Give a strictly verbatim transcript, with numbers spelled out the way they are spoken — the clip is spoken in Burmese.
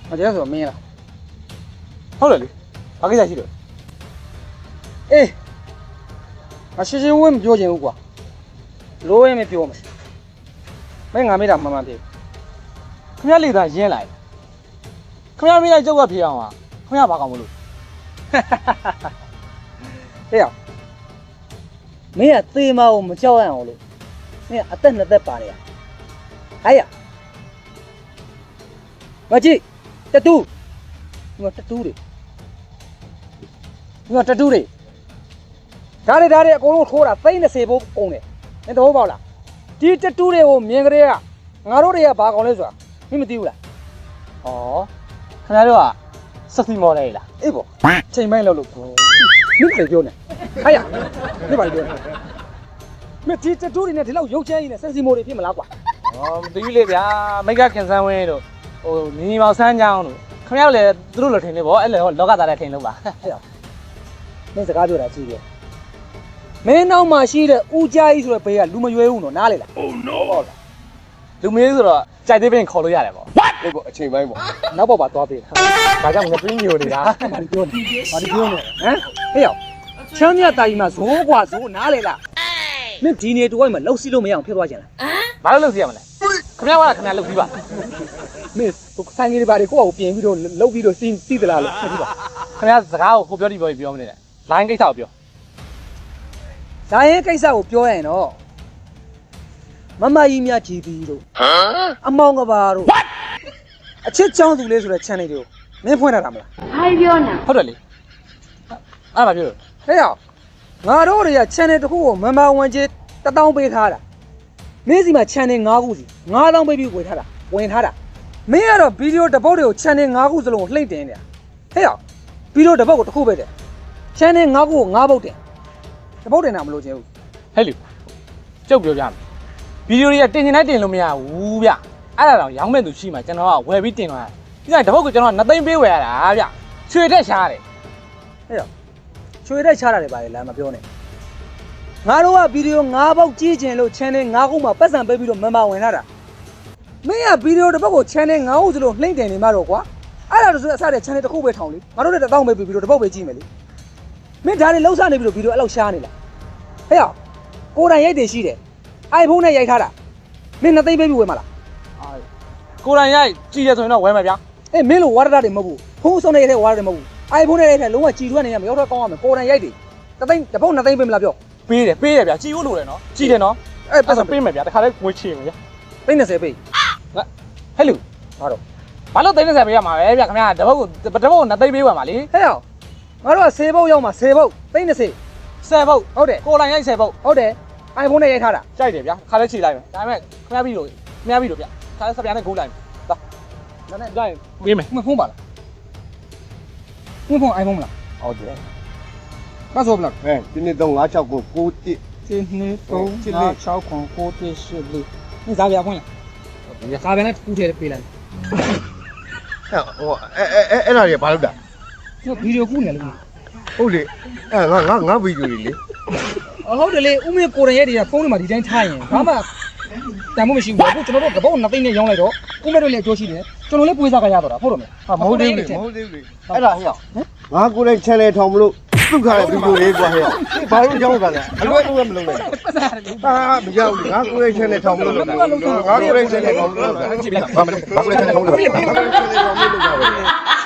我今天说没了。 好了哩，把给下去了。 哎，我其实我没表情过，老也没表嘛，没俺没得慢慢的。 ခင်ဗျားလေသာရင်းလိုက်ခင်ဗျားမင်းလိုက်ကြောက်ကဖြစ်အောင်ပါခင်ဗျားဘာကောင်းမလို့哎呀，没呀，对嘛，我们教俺我了，没呀，等那在办了呀。哎呀，我去，这赌，我这赌的，我这赌的，啥的啥的，我错了，真的是不公的，你都包了，这这赌的我明个的呀，俺老的也把讲来说，你们丢了， ဩခင်ဗျားတို့ကစက်စီမော်လေးလား哎不，真买了路，你别表呢，哎呀，你别表呢，没这这赌的呢，这老有钱呢，真是没得，别没拉挂。 ဩမသိဘူးလေဗျာမိကခင်ဆန်းဝင်းတို့ဟိုညီမောင်ဆန်းချောင်းတို့ခင်ဗျားတို့လည်းသူတို့လိုထင်နေပေါ့အဲ့လေဟောလောကသားလည်းထင်လို့ပါမင်းစကားပြောတာကြည့်ရမင်းနောက်မှာရှိတဲ့ဦးကြားကြီးဆိုတဲ့ဘေးကလူမရွေးဘူးနော်နားလေလား Oh no ဟုတ်လားလူမင်းဆိုတော့ကြိုက်သေးပင်ခေါ်လို့ရတယ်ပေါ့အေးပေါ့အချိန်ပိုင်းပေါ့နောက်ဘောပါသွားပေးတာဒါကြောင့်ငါပြင်းညိုနေတာဘာပြောနေဘာပြောနေဟမ်ဟေ့ရောက်ချမ်းမြတ်တာကြီးမှာဇိုးกว่าဇိုးနားလေလားမင်းဒီနေတူဝိုင်းမှာလှုပ်စီးလို့မရအောင်ဖြစ်သွားကြလားဘာလို့လုပ်စီရမလဲခင်ဗျားကခင်ဗျားလုပ်ပြီးပါမင်းဟိုဆိုင်ကြီးတွေဘာတွေကိုယ့်အကိုပြင်ပြီးတော့လှုပ်ပြီးတော့စီးစီးသလားလို့ဖြစ်ပြီးပါခင်ဗျားစကားကိုကိုပြောတိပြောပြီးပြောမနေနဲ့လိုင်းကိစ္စကိုပြောဒါရင်ကိစ္စကိုပြောရရင်တော့မမကြီးများကြည်ပြီးတို့အမောင်ကဘာတို့အချစ်ချောင်းသူလေးဆိုတဲ့ channel တွေကိုမင်းဖွင့်ရတာမလားဘာပြောနေဟုတ်တယ်လေအဲ့ဒါပြောလို့ဟဲ့ရောက်ငါတို့တွေက channel တစ်ခုကို member ဝင်ချေတစ်တောင်းပေးထားတာမင်းစီမှာ channel ၅ခုစီ၅တောင်းပေးပြီးဝင်ထားတာဝင်ထားတာမင်းကတော့ video တစ်ပုတ်တွေကို channel ၅ခုစလုံးကိုလှိမ့်တင်နေတာဟဲ့ရောက် video တစ်ပုတ်ကိုတစ်ခုပဲတယ် channel ၅ခုကို၅ပုတ်တင်တစ်ပုတ်တင်တာမလို့ချင်းဘူးဟဲ့လူကျုပ်ပြောပြမယ်ဗီဒီယိုတွေကတင်ချင်တိုင်းတင်လို့မရဘူးဗျအဲ့ဒါတော့ရောင်းမဲ့သူရှိမှကျွန်တော်ကဝယ်ပြီးတင်သွားတာဒီကတပုတ်ကကျွန်တော်နှစ်သိန်းပေးဝယ်ရတာဗျချွေတက်ရှားတယ်ဟဲ့ရောက်ချွေတက်ချတာတွေပါလေလားမပြောနဲ့ငါတို့က video ၅ပုတ်ကြည့်ချင်လို့ channel ၅ခုမှာပတ်စံပေးပြီးတော့ member ဝင်ထားတာမင်းက video တစ်ပုတ်ကို channel ၅ခုစလုံးလှိမ့်တင်နေမှာတော့ကွာအဲ့ဒါဆိုအစတဲ့ channel တစ်ခုပဲထောင်လေငါတို့လည်းတစ်တောင်းပေးပြီးပြီးတော့တစ်ပုတ်ပဲကြည့်မယ်လေမင်းဒါတွေလှုပ်ရှားနေပြီးတော့ video အဲ့လောက်ရှားနေလားဟဲ့ရောက်ကိုယ်တိုင်ရိုက်တယ်ရှိတယ် iPhone နဲ့ရိုက်ထားတာမင်းနှစ်သိန်းပေးပြီးဝယ်မှာလားကိုယ်တိုင်ရိုက်ကြည့်ရဆိုရင်တော့ဝယ်မယ်ဗျာအေးမင်းလိုဝါဒတာတွေမဟုတ်ဘူးဖုန်းဆုံးနေရိုက်တဲ့ဝါဒတွေမဟုတ်ဘူး iPhone နဲ့ရိုက်တဲ့လုံးဝကြည်ထွက်နေရမရောက်တော့ကောင်းရမယ်ကိုယ်တိုင်ရိုက်တယ်တစ်သိန်းတစ်ပုတ်နှစ်သိန်းပေးမလားပြောပေးတယ်ပေးတယ်ဗျာကြည့်ဖို့လိုတယ်နော်ကြည့်တယ်နော်အဲ့ပတ်စံပေးမယ်ဗျာတခါလဲငွေချေမယ်ဗျာသိန်း20ပေးဟဲ့လူဟာတော့ဘာလို့သိန်း30ပေးရမှာပဲဗျာခင်ဗျာတပုတ်ကိုတပုတ်ကိုနှစ်သိန်းပေးဝယ်မှာလေဟဲ့ရောက်ငါတို့က10ပုတ်ရောက်မှာ10ပုတ်သိန်း20 ဆယ်ပုတ်ဟုတ်တယ်ကိုယ်တိုင်ရိုက်ဆယ်ပုတ်ဟုတ်တယ် iPhone နဲ့ရိုက်ထားတာကြိုက်တယ်ဗျာခါလဲချေလိုက်မယ်ဒါပေမဲ့ခင်ဗျားပြီးလို့ခင်ဗျားပြီးလို့ဗျာခါလဲစပြားနဲ့ဂိုးလိုက်မယ်သွားဒါနဲ့ကြိုက်ပေးမယ်မဖုန်းပါလားမဖုန်း iPhone မလားဟုတ်တယ်ပတ်ဆိုဘလားအဲဒီနေ့တော့969 9တစ်ဒီနေ့တော့6 6ခွန်9 10 10လေး你咋别混了？咋别那土铁的背来？ ဟဲ့ဟိုအဲအဲအဲအဲ့ဒါတွေဘာလို့တာ这 video 顾呢了。 ဟုတ်လေအဲငါငါငါဗီဒီယိုတွေလေ哦，好的嘞，我们个人也得风里嘛，地点差一点，干嘛？但我们辛苦，我ကျွန်တော်တို့ကပောက်နှစ်သိန်းနဲ့ရောင်းလိုက်တော့ကိုမဲ့တို့လည်းအကျိုးရှိတယ်ကျွန်တော်လည်းပွေးစားကြရတော့တာဟုတ်တယ်မလားဟာမဟုတ်သေးဘူးလေမဟုတ်သေးဘူးလေအဲ့ဒါဟဲ့ငါကိုယ်တိုင် channel ထောင်မလို့သူ့ခါတဲ့ဗီဒီယိုလေးကွာဟဲ့ဘာလို့ကြောက်တာလဲအလွယ်တူမလုပ်နဲ့ပတ်စားရတယ်ဟာမကြောက်ဘူးငါကိုယ်တိုင် channel ထောင်မလို့လုပ်တာငါကိုယ်တိုင် channel ထောင်မလို့လုပ်တာဘာမလဲဘာကိုယ်တိုင် channel ထောင်မလို့လုပ်တာ